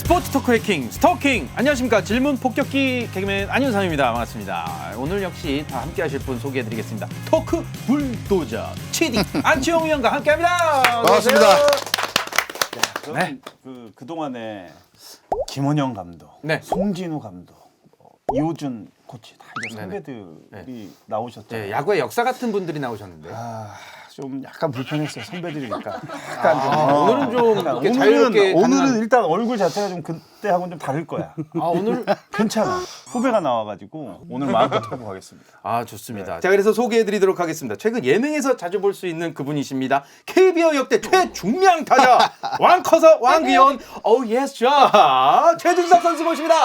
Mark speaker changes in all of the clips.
Speaker 1: 스포츠 토크의 킹, 스토킹! 안녕하십니까. 질문 폭격기 개그맨 안윤상입니다. 반갑습니다. 오늘 역시 다 함께 하실 분 소개해드리겠습니다. 토크 불도저 치디 안치홍 위원과 함께합니다.
Speaker 2: 반갑습니다.
Speaker 1: 네.
Speaker 3: 그동안에 김원영 감독,
Speaker 1: 네.
Speaker 3: 송진우 감독, 이호준 코치 다 이제
Speaker 1: 네네.
Speaker 3: 선배들이 나오셨잖아요.
Speaker 1: 네, 야구의 역사 같은 분들이 나오셨는데
Speaker 3: 좀 약간 불편했어요. 선배들이니까. 약간 좀,
Speaker 1: 오늘은 좀
Speaker 3: 약간
Speaker 1: 이렇게 자유롭게
Speaker 3: 오늘은 일단 얼굴 자체가 좀 그때하고는 좀 다를 거야.
Speaker 1: 오늘
Speaker 3: 괜찮아. 후배가 나와가지고 오늘 마음껏 하고 가겠습니다.
Speaker 1: 좋습니다. 자, 그래서 소개해드리도록 하겠습니다. 최근 예능에서 자주 볼 수 있는 그분이십니다. KBO 역대 최중량 타자 왕커서 왕귀여운 예스 자 최준석 선수 모십니다.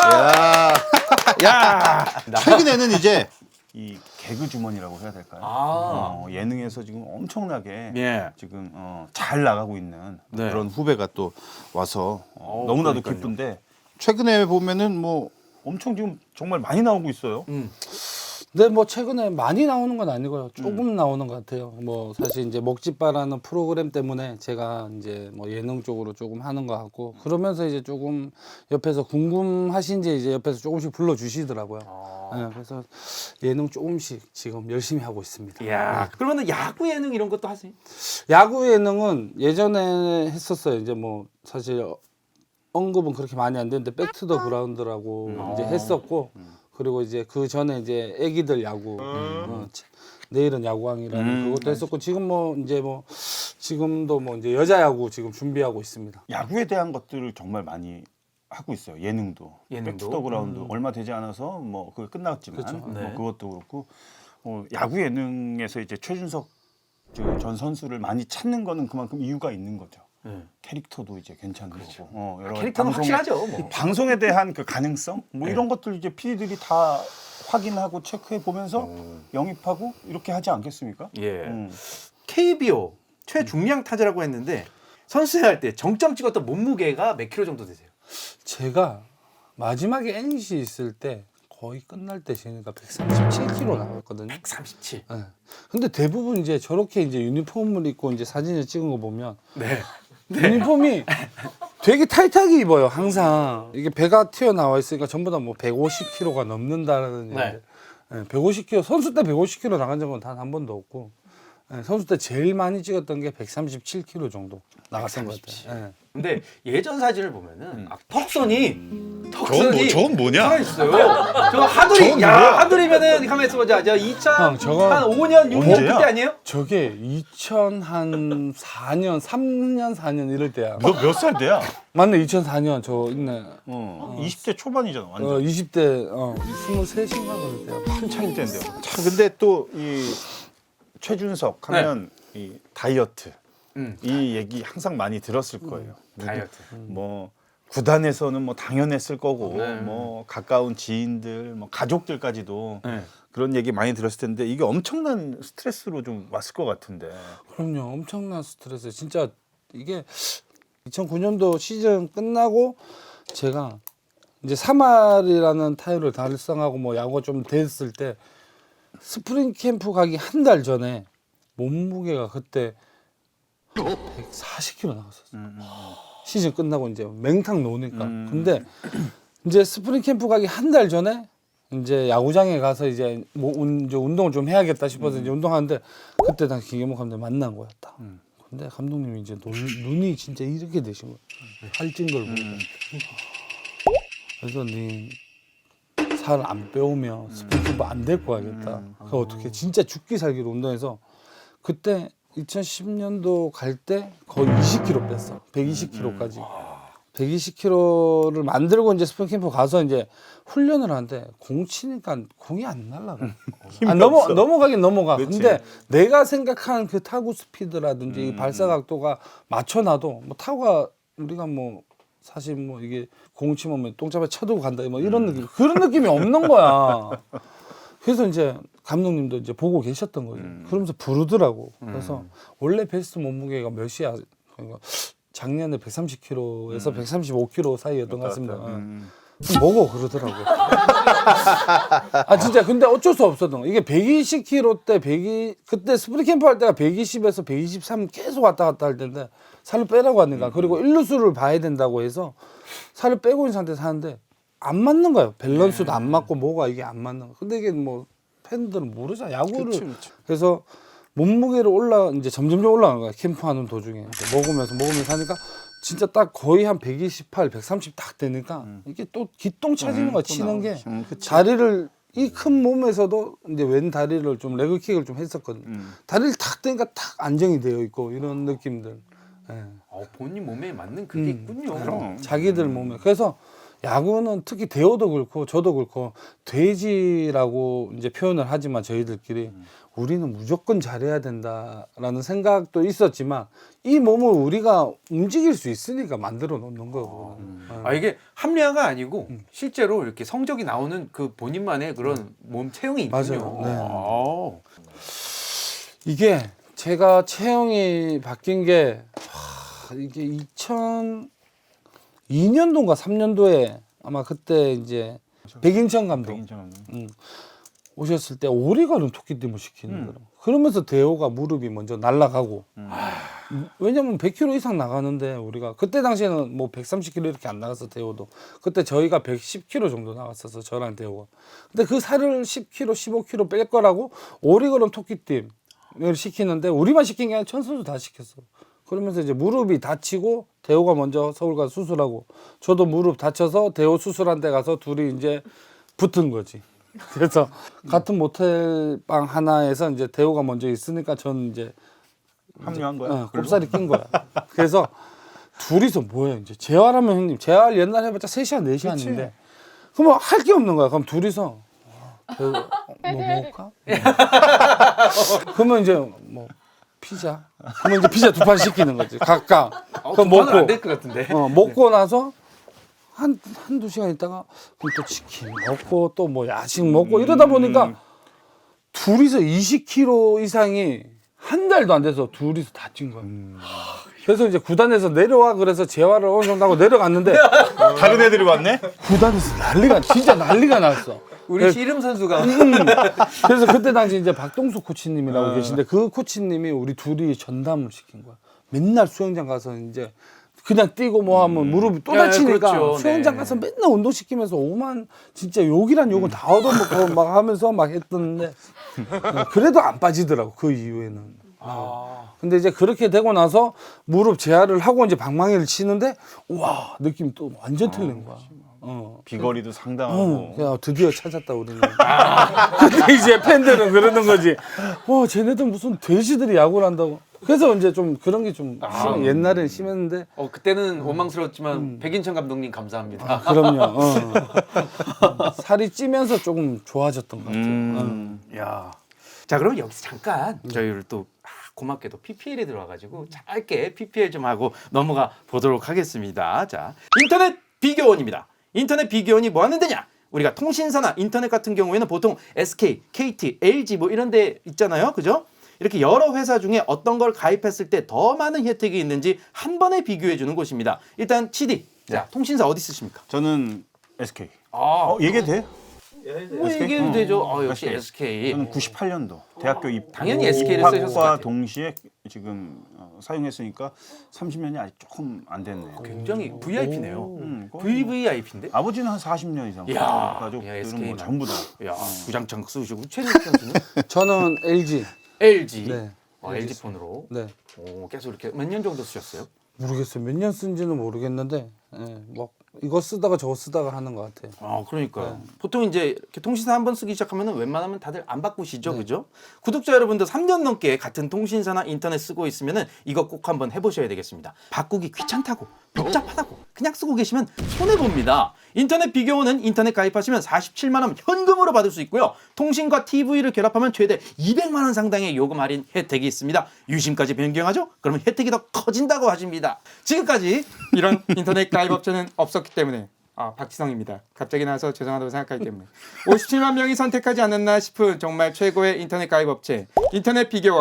Speaker 1: 야,
Speaker 2: 최근에는 이제
Speaker 3: 이 개그 주머니라고 해야 될까요? 예능에서 지금 엄청나게
Speaker 1: 예.
Speaker 3: 지금 잘 나가고 있는
Speaker 1: 네.
Speaker 2: 그런 후배가 또 와서
Speaker 3: 너무나도
Speaker 1: 그러니까요.
Speaker 3: 기쁜데
Speaker 2: 최근에 보면은 뭐
Speaker 3: 엄청 지금 정말 많이 나오고 있어요.
Speaker 4: 네, 뭐 최근에 많이 나오는 건 아니고요. 조금 나오는 것 같아요. 뭐 사실 이제 먹지바라는 프로그램 때문에 제가 이제 뭐 예능 쪽으로 조금 하는 것 같고 그러면서 이제 조금 옆에서 궁금하신지 이제 옆에서 조금씩 불러주시더라고요. 네, 그래서 예능 조금씩 지금 열심히 하고 있습니다.
Speaker 1: 야, 그러면은 야구 예능 이런 것도 하세요?
Speaker 4: 야구 예능은 예전에 했었어요. 이제 뭐 사실 언급은 그렇게 많이 안 되는데 백투더 그라운드라고 이제 했었고 그리고 이제 그 전에 이제 애기들 야구 내일은 야구왕이라는 그것도 했었고 지금 뭐 이제 뭐 지금도 뭐 이제 여자 야구 지금 준비하고 있습니다.
Speaker 3: 야구에 대한 것들을 정말 많이 하고 있어요. 예능도.
Speaker 1: 예능도?
Speaker 3: 백투더 그라운드 얼마 되지 않아서 뭐 그게 끝났지만
Speaker 4: 그렇죠.
Speaker 3: 뭐
Speaker 1: 네.
Speaker 3: 그것도 그렇고 야구 예능에서 이제 최준석 전 선수를 많이 찾는 거는 그만큼 이유가 있는 거죠. 캐릭터도 이제 괜찮은 거고 여러 가지
Speaker 1: 캐릭터는 확실하죠. 뭐.
Speaker 3: 방송에 대한 그 가능성 뭐 이런 것들 이제 PD들이 다 확인하고 체크해 보면서 영입하고 이렇게 하지 않겠습니까?
Speaker 1: 예. KBO 최중량 타자라고 했는데 선수할 때 정점 찍었던 몸무게가 몇 킬로 정도 되세요?
Speaker 4: 제가 마지막에 NC 있을 때 거의 끝날 때 제가 137kg 나왔거든요.
Speaker 1: 137.
Speaker 4: 네. 근데 대부분 이제 저렇게 이제 유니폼을 입고 이제 사진을 찍은 거 보면
Speaker 1: 네.
Speaker 4: 유니폼이 되게 타이트하게 입어요. 항상 이게 배가 튀어나와 있으니까 전부 다 뭐 150kg가 넘는다는
Speaker 1: 네.
Speaker 4: 얘기인데 150kg 선수 때 150kg 나간 적은 단 한 번도 없고 선수 때 제일 많이 찍었던 게 137kg 정도 나갔던 것 같아요.
Speaker 1: 근데 예전 사진을 보면은 턱선이
Speaker 2: 저건 뭐냐?
Speaker 1: 살아있어요. 저 하두리, 하두리면은 가만히 있어보자. 저 2000,
Speaker 4: 형, 저거
Speaker 1: 한 5년, 6년
Speaker 3: 언제야?
Speaker 1: 그때 아니에요?
Speaker 4: 저게 2004년, 3년, 4년 이럴 때야.
Speaker 3: 너 몇 살 때야?
Speaker 4: 맞네, 2004년 저 있네.
Speaker 3: 20대 초반이잖아. 완전
Speaker 4: 20대 23인가 그럴 때야.
Speaker 3: 한창일 때인데요. 자, 근데 또 이 최준석 하면 이 다이어트 이 얘기 항상 많이 들었을 거예요.
Speaker 1: 다이어트.
Speaker 3: 뭐 구단에서는 뭐 당연했을 거고
Speaker 1: 네.
Speaker 3: 뭐 가까운 지인들, 뭐 가족들까지도
Speaker 1: 네.
Speaker 3: 그런 얘기 많이 들었을 텐데 이게 엄청난 스트레스로 좀 왔을 것 같은데.
Speaker 4: 그럼요, 엄청난 스트레스. 진짜 이게 2009년도 시즌 끝나고 제가 이제 3할이라는 타율을 달성하고 뭐 야구가 좀 됐을 때 스프링 캠프 가기 한 달 전에 몸무게가 그때 140kg 나갔었어요. 시즌 끝나고 이제 맹탕 놓으니까. 근데 이제 스프링 캠프 가기 한 달 전에 이제 야구장에 가서 이제 뭐 이제 운동을 좀 해야겠다 싶어서 이제 운동하는데 그때 난 김경목 감독 만난 거였다. 근데 감독님이 이제 눈이 진짜 이렇게 되신 거예요. 살찐 걸 보니까. 그래서 네 살 안 빼오면 스프링 캠프 안 될 거 알겠다. 그래서 어떻게 진짜 죽기 살기로 운동해서 그때 2010년도 갈 때 거의 20kg 뺐어. 120kg까지. 120kg를 만들고 이제 스프링 캠프 가서 이제 훈련을 하는데 공 치니까 공이 안 날아가. 넘어가긴 넘어가.
Speaker 3: 그치.
Speaker 4: 근데 내가 생각한 그 타구 스피드라든지 이 발사 각도가 맞춰놔도 뭐 타구가 우리가 뭐 사실 뭐 이게 공 치면 뭐 똥잡에 쳐두고 간다 뭐 이런 느낌 그런 느낌이 없는 거야. 그래서 이제 감독님도 이제 보고 계셨던 거죠. 그러면서 부르더라고. 그래서 원래 베스트 몸무게가 몇이야? 그러니까 작년에 130kg에서 135kg 사이였던 것 같습니다. 먹어 그러더라고. 아 진짜 근데 어쩔 수 없었던 거. 이게 120kg 때 그때 스프링 캠프 할 때가 120에서 123 계속 왔다 갔다 할 텐데 살을 빼라고 하니까 그리고 일루수를 봐야 된다고 해서 살을 빼고 있는 상태에서 하는데 안 맞는 거예요. 밸런스도 안 맞고 뭐가 이게 안 맞는 거. 근데 이게 뭐 팬들은 모르잖아 야구를. 그래서 몸무게를 이제 점점점 올라가는 거야. 캠프하는 도중에 이제 먹으면서 하니까 진짜 딱 거의 한 128, 130 딱 되니까 이게 또 기똥 차지는 거야. 치는 게 다리를 이 큰 몸에서도 이제 왼 다리를 좀 레그킥을 좀 했었거든. 다리를 탁 대니까 탁 안정이 되어 있고 이런 느낌들. 예.
Speaker 1: 본인 몸에 맞는 그게 있군요.
Speaker 4: 자기들 몸에. 그래서 야구는 특히 대호도 그렇고 저도 그렇고 돼지라고 이제 표현을 하지만 저희들끼리 우리는 무조건 잘해야 된다라는 생각도 있었지만 이 몸을 우리가 움직일 수 있으니까 만들어 놓는 거고.
Speaker 1: 이게 합리화가 아니고 실제로 이렇게 성적이 나오는 그 본인만의 그런 몸 체형이 있군요.
Speaker 4: 맞아요. 이게 제가 체형이 바뀐 게 이게 2002년도인가 3년도에 아마 그때 이제 백인천 감독 오셨을 때 오리가는 토끼띠을 시키는 거예요. 그러면서 대호가 무릎이 먼저 날아가고 왜냐면 100kg 이상 나가는데 우리가 그때 당시에는 뭐 130kg 이렇게 안 나갔어 대호도. 그때 저희가 110kg 정도 나갔었어 저랑 대호가. 근데 그 살을 10kg, 15kg 뺄 거라고 오리걸음 토끼띠을 시키는데 우리만 시킨 게 아니라 전 선수 다 시켰어. 그러면서 이제 무릎이 다치고 대호가 먼저 서울 가서 수술하고 저도 무릎 다쳐서 대호 수술한 데 가서 둘이 이제 붙은 거지. 그래서 같은 모텔 방 하나에서 이제 대호가 먼저 있으니까 저는 이제
Speaker 3: 합류한 거야.
Speaker 4: 꼽살이 낀 거야. 그래서 둘이서 뭐예요 이제 재활하면 형님 재활 옛날에 해봤자 3시간 4시간인데 그러면 할 게 없는 거야. 그럼 둘이서 대호 뭐 먹을까? 그러면 이제 뭐 피자. 그러면 이제 피자 2판 시키는 거지. 각각. 그럼 먹고
Speaker 1: 안될 것 같은데.
Speaker 4: 먹고 나서 한두 시간 있다가 그럼 또 치킨 먹고 또 뭐 야식 먹고 이러다 보니까 둘이서 20kg 이상이 한 달도 안 돼서 둘이서 다 찐 거야. 그래서 이제 구단에서 내려와 그래서 재활을 어느 정도 하고 내려갔는데
Speaker 3: 다른 애들이 왔네?
Speaker 4: 구단에서 진짜 난리가 났어.
Speaker 1: 우리 씨름 선수가
Speaker 4: 그래서 그때 당시 이제 박동수 코치님이라고 계신데 그 코치님이 우리 둘이 전담을 시킨 거야. 맨날 수영장 가서 이제 그냥 뛰고 뭐 하면 무릎이 또 다치니까
Speaker 1: 그렇죠.
Speaker 4: 수영장 가서 맨날 운동시키면서 오만 진짜 욕이란 욕은 다 얻어먹고 막 하면서 막 했던데 그래도 안 빠지더라고 그 이후에는. 근데 이제 그렇게 되고 나서 무릎 재활을 하고 이제 방망이를 치는데 와 느낌이 또 완전 틀린 거야.
Speaker 3: 비거리도 상당하고.
Speaker 4: 야 드디어 찾았다 우리는. 근데 이제 팬들은 그러는 거지. 와 쟤네들 무슨 돼지들이 야구를 한다고. 그래서 이제 좀 그런 게 좀 옛날엔 심했는데.
Speaker 1: 그때는 원망스러웠지만 백인천 감독님 감사합니다.
Speaker 4: 그럼요. 살이 찌면서 조금 좋아졌던 것 같아요.
Speaker 1: 야. 자, 그럼 여기서 잠깐 저희를 또 고맙게도 PPL에 들어와가지고 짧게 PPL 좀 하고 넘어가 보도록 하겠습니다. 자, 인터넷 비교원입니다. 인터넷 비교원이 뭐 하는 데냐? 우리가 통신사나 인터넷 같은 경우에는 보통 SK, KT, LG 뭐 이런 데 있잖아요. 그죠? 이렇게 여러 회사 중에 어떤 걸 가입했을 때 더 많은 혜택이 있는지 한 번에 비교해 주는 곳입니다. 일단 CD, 자, 통신사 어디 쓰십니까?
Speaker 3: 저는 SK. 얘기해도 돼?
Speaker 1: 뭐 얘기해도 되죠. 역시 SK.
Speaker 3: 저는 98년도 대학교
Speaker 1: 당연히 SK 를 쓰셨을 것
Speaker 3: 입학과
Speaker 1: 같아요.
Speaker 3: 동시에 지금 사용했으니까 30년이 아직 조금 안 됐네.
Speaker 1: 굉장히 VIP네요.
Speaker 3: 거의
Speaker 1: VVIP인데?
Speaker 3: 아버지는 한 40년 이상.
Speaker 1: 이야,
Speaker 3: 가족들은
Speaker 1: SK
Speaker 3: 뭐
Speaker 1: 는.
Speaker 3: 전부 다.
Speaker 1: 야, 구장창 쓰시고 최진욱 선수는
Speaker 4: 저는 LG.
Speaker 1: LG.
Speaker 4: 네.
Speaker 1: LG 폰으로.
Speaker 4: 네.
Speaker 1: 계속 이렇게 몇 년 정도 쓰셨어요?
Speaker 4: 모르겠어요. 몇 년 쓴지는 모르겠는데, 막 이거 쓰다가 저거 쓰다가 하는 것 같아요.
Speaker 1: 그러니까요. 보통 이제 이렇게 통신사 한 번 쓰기 시작하면 웬만하면 다들 안 바꾸시죠, 그죠? 구독자 여러분들 3년 넘게 같은 통신사나 인터넷 쓰고 있으면은 이거 꼭 한번 해보셔야 되겠습니다. 바꾸기 귀찮다고, 복잡하다고 그냥 쓰고 계시면 손해 봅니다. 인터넷 비교원은 인터넷 가입하시면 47만 원 현금으로 받을 수 있고요. 통신과 TV를 결합하면 최대 200만 원 상당의 요금 할인 혜택이 있습니다. 유심까지 변경하죠? 그러면 혜택이 더 커진다고 하십니다. 지금까지 이런 인터넷 가입 업체는 없었기 때문에 박지성입니다. 갑자기 나와서 죄송하다고 생각하기 때문에 57만 명이 선택하지 않았나 싶은 정말 최고의 인터넷 가입 업체 인터넷 비교원.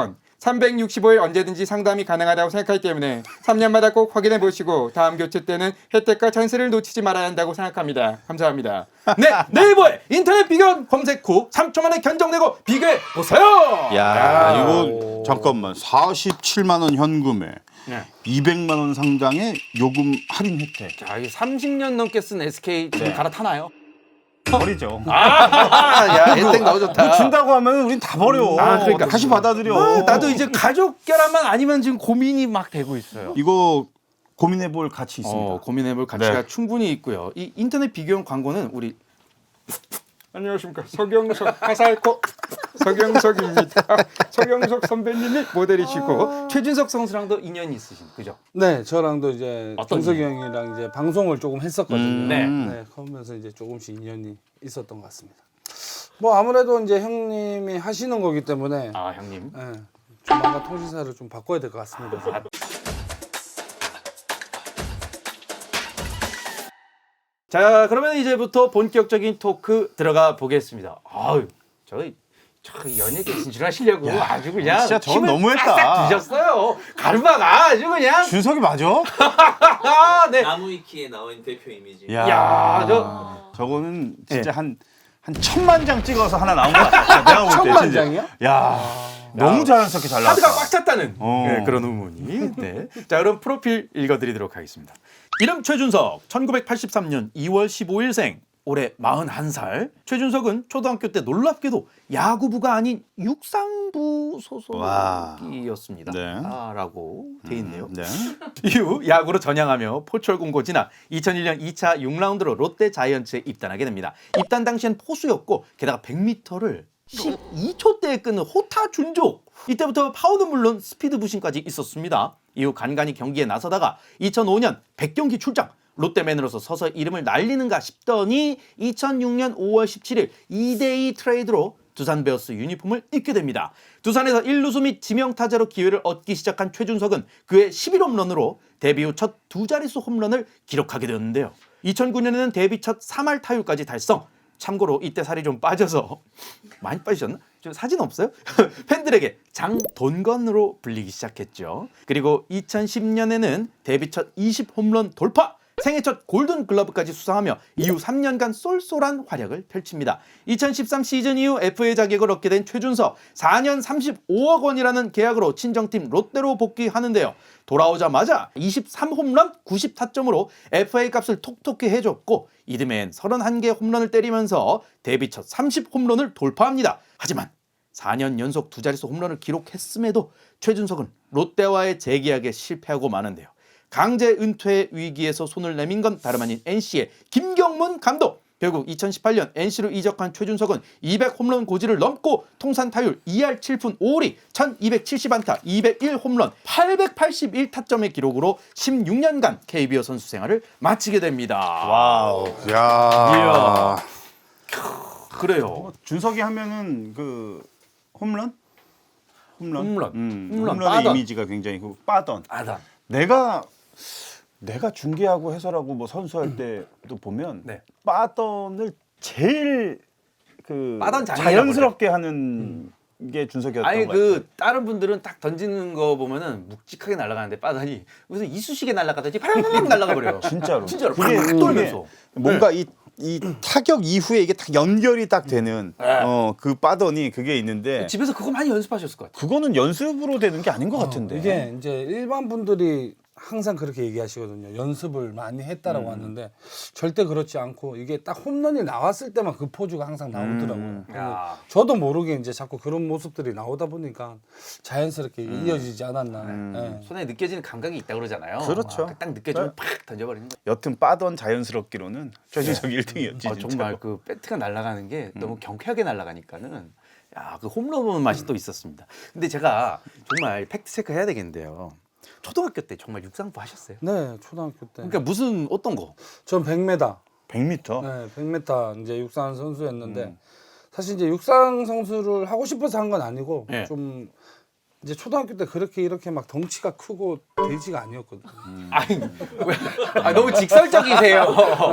Speaker 5: 365일 언제든지 상담이 가능하다고 생각하기 때문에 3년마다 꼭 확인해 보시고 다음 교체 때는 혜택과 찬스를 놓치지 말아야 한다고 생각합니다. 감사합니다.
Speaker 1: 네, 네이버에 인터넷 비교 검색 후 3초 만에 견적내고 비교해 보세요.
Speaker 2: 야, 이거 잠깐만 47만 원 현금에
Speaker 1: 네.
Speaker 2: 200만 원 상당의 요금 할인 혜택.
Speaker 1: 자, 이 30년 넘게 쓴 SK 지금 갈아타나요?
Speaker 3: 버리죠.
Speaker 1: 야, 혜택 너무 좋다.
Speaker 3: 뭐 준다고 하면 우린 다 버려.
Speaker 1: 그러니까.
Speaker 3: 다시 받아들여.
Speaker 1: 나도 이제 가족 결함만 아니면 지금 고민이 막 되고 있어요.
Speaker 3: 이거 고민해볼 가치 있습니다.
Speaker 1: 고민해볼 가치가
Speaker 3: 네.
Speaker 1: 충분히 있고요. 이 인터넷 비교용 광고는 우리
Speaker 5: 안녕하십니까. 서경석 가살코 서경석입니다. 서경석 선배님이 모델이시고
Speaker 1: 최준석 선수랑도 인연이 있으신 그죠?
Speaker 4: 네, 저랑도 이제
Speaker 1: 어떤
Speaker 4: 정석이 형이랑 이제 방송을 조금 했었거든요.
Speaker 1: 네.
Speaker 4: 네, 그러면서 이제 조금씩 인연이 있었던 것 같습니다. 뭐 아무래도 이제 형님이 하시는 거기 때문에
Speaker 1: 아, 형님.
Speaker 4: 네, 조만간 통신사를 좀 바꿔야 될 것 같습니다.
Speaker 1: 자, 그러면 이제부터 본격적인 토크 들어가 보겠습니다. 아유, 저 연예계 진출하시려고 아주 그냥
Speaker 3: 진짜 저건
Speaker 1: 힘을
Speaker 3: 너무했다.
Speaker 1: 빡빡 주셨어요. 가르마가 아주 그냥.
Speaker 3: 준석이 맞아?
Speaker 1: 아, 네.
Speaker 6: 나무위키에 나온 대표 이미지.
Speaker 1: 야,
Speaker 3: 저거는 진짜
Speaker 1: 네.
Speaker 3: 한 1000만 장 찍어서 하나 나온 것 같아. 내가 볼 때.
Speaker 4: 1000만
Speaker 3: 진짜.
Speaker 4: 장이요?
Speaker 3: 야, 너무 자연스럽게 잘 나왔다.
Speaker 1: 하드가 꽉 찼다는 네, 그런 의문이. 네. 자, 그럼 프로필 읽어드리도록 하겠습니다. 이름 최준석, 1983년 2월 15일생, 올해 41살. 최준석은 초등학교 때 놀랍게도 야구부가 아닌 육상부 소속이었습니다.
Speaker 2: 네.
Speaker 1: 라고 돼 있네요.
Speaker 2: 네.
Speaker 1: 이후 야구로 전향하며 포철공고 지나 2001년 2차 6라운드로 롯데 자이언츠에 입단하게 됩니다. 입단 당시엔 포수였고 게다가 100m를 12초대에 끄는 호타 준족. 이때부터 파워는 물론 스피드 부심까지 있었습니다. 이후 간간히 경기에 나서다가 2005년 100경기 출장. 롯데맨으로서 서서 이름을 날리는가 싶더니 2006년 5월 17일 2대2 트레이드로 두산 베어스 유니폼을 입게 됩니다. 두산에서 1루수 및 지명타자로 기회를 얻기 시작한 최준석은 그의 11홈런으로 데뷔 후 첫 두 자릿수 홈런을 기록하게 되었는데요. 2009년에는 데뷔 첫 3할 타율까지 달성. 참고로 이때 살이 좀 빠져서 많이 빠지셨나? 저 사진 없어요? 팬들에게 장돈건으로 불리기 시작했죠. 그리고 2010년에는 데뷔 첫 20홈런 돌파! 생애 첫 골든글러브까지 수상하며 이후 3년간 쏠쏠한 활약을 펼칩니다. 2013 시즌 이후 FA 자격을 얻게 된 최준석, 4년 35억 원이라는 계약으로 친정팀 롯데로 복귀하는데요. 돌아오자마자 23홈런 90타점으로 FA 값을 톡톡히 해줬고 이듬해엔 31개 홈런을 때리면서 데뷔 첫 30홈런을 돌파합니다. 하지만 4년 연속 두 자릿수 홈런을 기록했음에도 최준석은 롯데와의 재계약에 실패하고 마는데요. 강제 은퇴 위기에서 손을 내민 건 다름 아닌 NC의 김경문 감독. 결국 2018년 NC로 이적한 최준석은 200홈런 고지를 넘고 통산 타율 2할 7푼 5리, 1270안타, 201홈런, 881타점의 기록으로 16년간 KBO 선수 생활을 마치게 됩니다.
Speaker 3: 와우.
Speaker 2: 야.
Speaker 1: 그래요.
Speaker 3: 준석이 하면은 그 홈런?
Speaker 1: 홈런.
Speaker 3: 홈런의
Speaker 1: 빠던.
Speaker 3: 이미지가 굉장히 그 빠던.
Speaker 1: 아단.
Speaker 3: 내가 중계하고 해설하고 뭐 선수할 때도 보면
Speaker 1: 네.
Speaker 3: 빠던을 제일 그
Speaker 1: 빠던 장인이라고
Speaker 3: 자연스럽게 하는 게 준석이었던
Speaker 1: 아니
Speaker 3: 것 같아요.
Speaker 1: 그 다른 분들은 딱 던지는 거 보면은 묵직하게 날아가는데 빠다니 무슨 이쑤시개 날아가듯이 파라락 날아가 버려요.
Speaker 3: 진짜로.
Speaker 1: 진짜로
Speaker 3: 그게
Speaker 1: 팍 돌면서.
Speaker 3: 뭔가 이 타격 이후에 이게 딱 연결이 딱 되는 그 빠던이 그게 있는데
Speaker 1: 집에서 그거 많이 연습하셨을 것 같아요.
Speaker 3: 그거는 연습으로 되는 게 아닌 것 같은데.
Speaker 4: 이게 이제 일반 분들이 항상 그렇게 얘기하시거든요. 연습을 많이 했다라고 하는데 절대 그렇지 않고 이게 딱 홈런이 나왔을 때만 그 포즈가 항상 나오더라고요.
Speaker 1: 야.
Speaker 4: 저도 모르게 이제 자꾸 그런 모습들이 나오다 보니까 자연스럽게 이어지지 않았나. 네.
Speaker 1: 손에 느껴지는 감각이 있다 그러잖아요.
Speaker 3: 그렇죠.
Speaker 1: 딱 느껴지면 팍 던져버리는 거.
Speaker 3: 여튼 빠던 자연스럽기로는 최준석이 1등이었지.
Speaker 1: 아, 정말 그 배트가 날아가는 게 너무 경쾌하게 날아가니까는 야, 그 홈런 보는 맛이 또 있었습니다. 근데 제가 정말 팩트 체크 해야 되겠는데요. 초등학교 때 정말 육상부 하셨어요?
Speaker 4: 네, 초등학교 때.
Speaker 1: 그러니까 무슨 어떤 거?
Speaker 4: 전 100m.
Speaker 3: 100m.
Speaker 4: 네, 100m 이제 육상 선수였는데 사실 이제 육상 선수를 하고 싶어서 한 건 아니고
Speaker 1: 네.
Speaker 4: 좀 이제 초등학교 때 그렇게 이렇게 막 덩치가 크고 돼지가 아니었거든요.
Speaker 1: 아니, 너무 직설적이세요.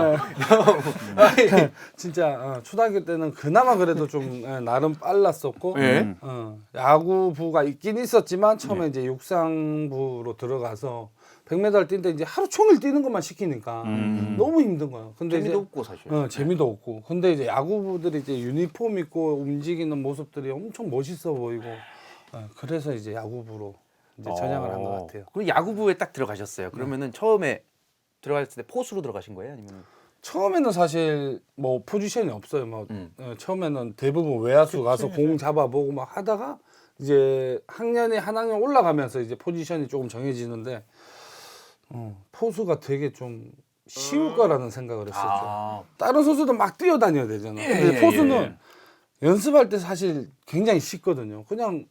Speaker 4: 진짜 초등학교 때는 그나마 그래도 좀 나름 빨랐었고
Speaker 1: 예.
Speaker 4: 야구부가 있긴 있었지만 처음에 이제 육상부로 들어가서 100m 뛸 때 이제 하루 종일 뛰는 것만 시키니까 너무 힘든 거예요. 근데
Speaker 1: 재미도
Speaker 4: 이제
Speaker 1: 없고 사실.
Speaker 4: 재미도 없고. 근데 이제 야구부들이 이제 유니폼 입고 움직이는 모습들이 엄청 멋있어 보이고 그래서 이제 야구부로 이제 전향을 한 것 같아요.
Speaker 1: 그럼 야구부에 딱 들어가셨어요. 그러면은 처음에 들어갔을 때 포수로 들어가신 거예요, 아니면?
Speaker 4: 처음에는 사실 뭐 포지션이 없어요. 뭐 처음에는 대부분 외야수 가서 공 잡아보고 막 하다가 이제 학년이 한 학년 올라가면서 이제 포지션이 조금 정해지는데 포수가 되게 좀 쉬울 거라는 생각을 했었죠. 다른 선수도 막 뛰어다녀야 되잖아. 근데 포수는 연습할 때 사실 굉장히 쉽거든요. 그냥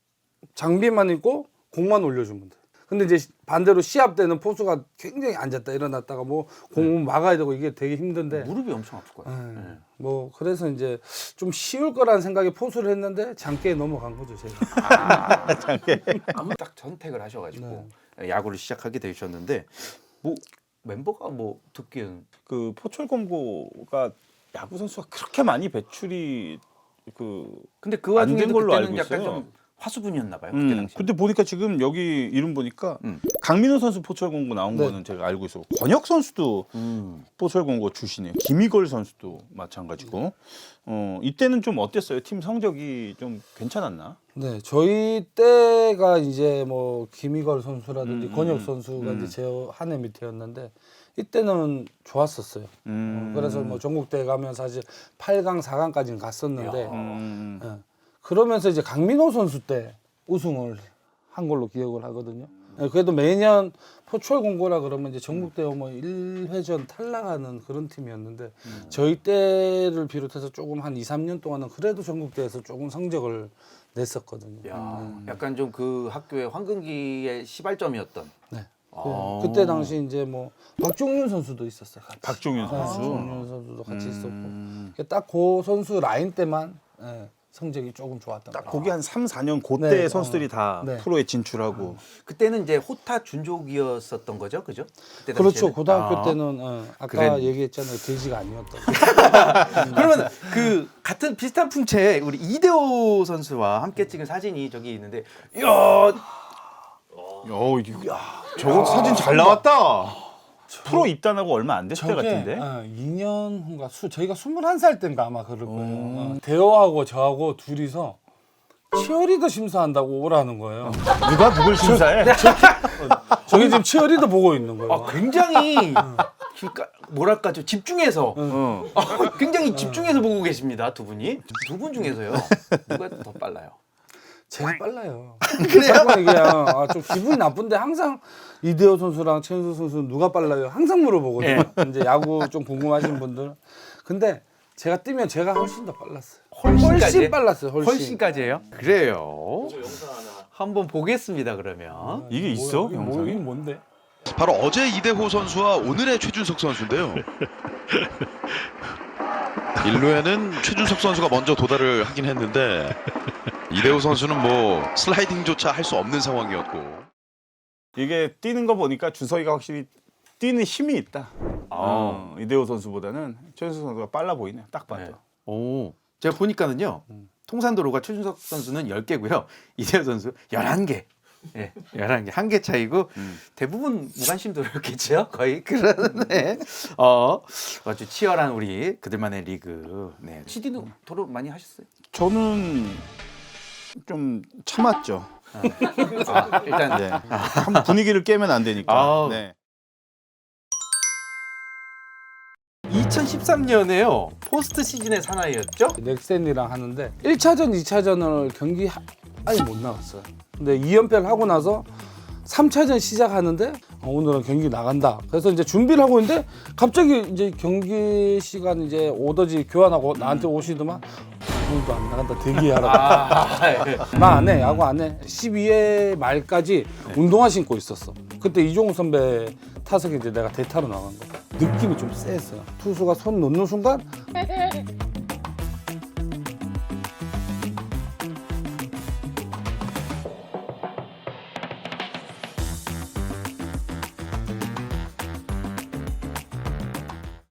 Speaker 4: 장비만 있고 공만 올려주면 돼. 근데 이제 반대로 시합 때는 포수가 굉장히 앉았다 일어났다가 뭐 공 막아야 되고 이게 되게 힘든데
Speaker 1: 무릎이 엄청 아플 거예요.
Speaker 4: 뭐 그래서 이제 좀 쉬울 거라는 생각에 포수를 했는데 장기에 넘어간 거죠 제가.
Speaker 1: 딱 선택을 하셔가지고 야구를 시작하게 되셨는데 뭐 멤버가 뭐 듣기에는
Speaker 3: 그 포철공고가 야구 선수가 그렇게 많이 배출이
Speaker 1: 근데 그
Speaker 3: 안 된
Speaker 1: 와중에도
Speaker 3: 걸로
Speaker 1: 그때는
Speaker 3: 알고
Speaker 1: 약간
Speaker 3: 있어요.
Speaker 1: 좀 화수분이었나 봐요. 그때 당시.
Speaker 3: 근데 보니까 지금 여기 이름 보니까 강민호 선수 포철공고 나온 거는 제가 알고 있어. 권혁 선수도 포철공고 출신이에요. 김희걸 선수도 마찬가지고. 이때는 좀 어땠어요? 팀 성적이 좀 괜찮았나?
Speaker 4: 네, 저희 때가 이제 뭐 김희걸 선수라든지 권혁 선수가 이제 제 한 해 밑에였는데 이때는 좋았었어요. 그래서 뭐 전국대회 가면 사실 8강, 4강까지는 갔었는데 그러면서 이제 강민호 선수 때 우승을 한 걸로 기억을 하거든요. 그래도 매년 포철공고라 그러면 이제 전국대회 뭐 1회전 탈락하는 그런 팀이었는데 저희 때를 비롯해서 조금 한 2, 3년 동안은 그래도 전국대회에서 조금 성적을 냈었거든요.
Speaker 1: 약간 좀 그 학교의 황금기의 시발점이었던.
Speaker 4: 네. 그때 당시 이제 뭐 박종윤 선수도 있었어요. 같이.
Speaker 3: 박종윤 선수.
Speaker 4: 박종윤 선수도 같이 있었고 딱 그 선수 라인 때만 성적이 조금 좋았던
Speaker 3: 딱
Speaker 4: 것
Speaker 3: 거기 한 3, 4년 그때
Speaker 4: 네,
Speaker 3: 선수들이 다
Speaker 4: 네.
Speaker 3: 프로에 진출하고
Speaker 1: 그때는 이제 호타 준족이었었던 거죠, 그죠? 그때
Speaker 4: 그렇죠.
Speaker 1: 당시에는?
Speaker 4: 고등학교 때는 아까
Speaker 1: 그래.
Speaker 4: 얘기했잖아요. 돼지가 아니었다고.
Speaker 1: 그러면 그 같은 비슷한 풍채 우리 이대호 선수와 함께 찍은 사진이 저기 있는데, 이야,
Speaker 2: 저거 사진 잘 나왔다.
Speaker 3: 프로 입단하고 얼마 안 됐을 때 같은데.
Speaker 4: 2년 후인가 저희가 21살 때인가 아마 그럴 거예요. 대호하고 저하고 둘이서 치어리더 심사한다고 오라는 거예요.
Speaker 3: 누가 누굴 심사해?
Speaker 4: 저기 지금 치어리더 보고 있는 거예요.
Speaker 1: 굉장히 그러니까 뭐랄까 좀 집중해서 굉장히 집중해서 보고 계십니다, 두 분이. 두 분 중에서요 누가 더 빨라요?
Speaker 4: 제가 빨라요. 그래요? 그냥 좀 기분이 나쁜데 항상 이대호 선수랑 최은수 선수는 누가 빨라요? 항상 물어보거든요. 이제 야구 좀 궁금하신 분들. 근데 제가 뛰면 제가 훨씬 더 빨랐어요. 훨씬 빨랐어요.
Speaker 1: 훨씬까지예요? 그래요. 한번 보겠습니다, 그러면.
Speaker 3: 이게 있어?
Speaker 4: 이게
Speaker 3: 영상이?
Speaker 4: 뭔데?
Speaker 7: 바로 어제 이대호 선수와 오늘의 최준석 선수인데요. 1루에는 최준석 선수가 먼저 도달을 하긴 했는데 이대호 선수는 뭐 슬라이딩조차 할 수 없는 상황이었고.
Speaker 3: 이게 뛰는 거 보니까 주석이가 확실히 뛰는 힘이 있다. 이대호 선수보다는 최준석 선수가 빨라 보이네요. 딱 봐도.
Speaker 1: 오, 제가 보니까는요. 통산도로가 최준석 선수는 10개고요. 이대호 선수 11개. 예, 11개. 한 개 차이고 대부분 무관심도였겠죠. 거의 그러네. 아주 치열한 우리 그들만의 리그. 네. CD도 도로 많이 하셨어요?
Speaker 3: 저는 좀 참았죠.
Speaker 1: 일단
Speaker 3: 네. 한번 분위기를 깨면 안 되니까.
Speaker 1: 아우.
Speaker 3: 네.
Speaker 1: 2013년에요. 포스트 시즌의 사나이였죠?
Speaker 4: 넥센이랑 하는데 1차전, 2차전을 경기 아예 못 나갔어요. 근데 2연패를 하고 나서 3차전 시작하는데 오늘은 경기 나간다. 그래서 이제 준비를 하고 있는데 갑자기 이제 경기 시간 이제 오더지 교환하고 나한테 오시더만 오늘도 안 나간다. 대기하라고. 나 안 해. 야구 안 해. 12회 말까지 운동화 신고 있었어. 그때 이종우 선배 타석에 이제 내가 대타로 나간 거야. 느낌이 좀 쎄했어요. 투수가 손 놓는 순간